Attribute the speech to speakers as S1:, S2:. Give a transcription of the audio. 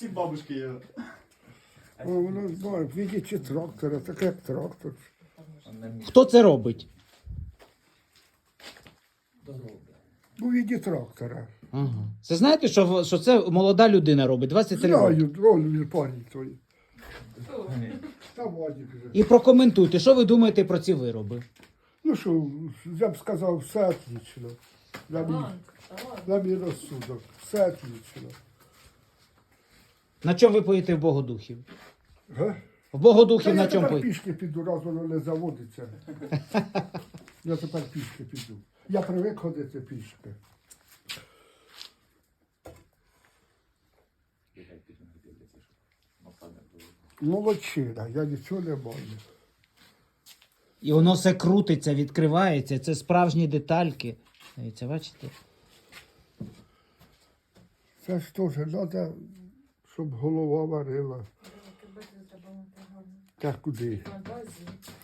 S1: Всі бабушки є.
S2: О, воно знає, видите трактора, так як трактор.
S3: Хто це робить?
S2: У виді трактора.
S3: Ага. Це знаєте, що це молода людина робить, 23 роки.
S2: Знаю, он парень той. Та Вадик вже.
S3: І прокоментуйте, що ви думаєте про ці вироби?
S2: Ну що, я б сказав, все отлично. На мій розсудок. Все отлично.
S3: На чому ви поїдете в Богодухів?
S2: Га?
S3: В Богодухів
S2: Та
S3: на
S2: я
S3: чому
S2: тепер
S3: поїдете?
S2: пішки піду, раз воно не заводиться. Я тепер пішки піду. Я привик ходити пішки. Молодчина, я нічого не маю.
S3: І воно все крутиться, відкривається, це справжні детальки. Дивіться, бачите?
S2: Це ж теж треба, щоб голова варила. Так куди?
S4: На базі.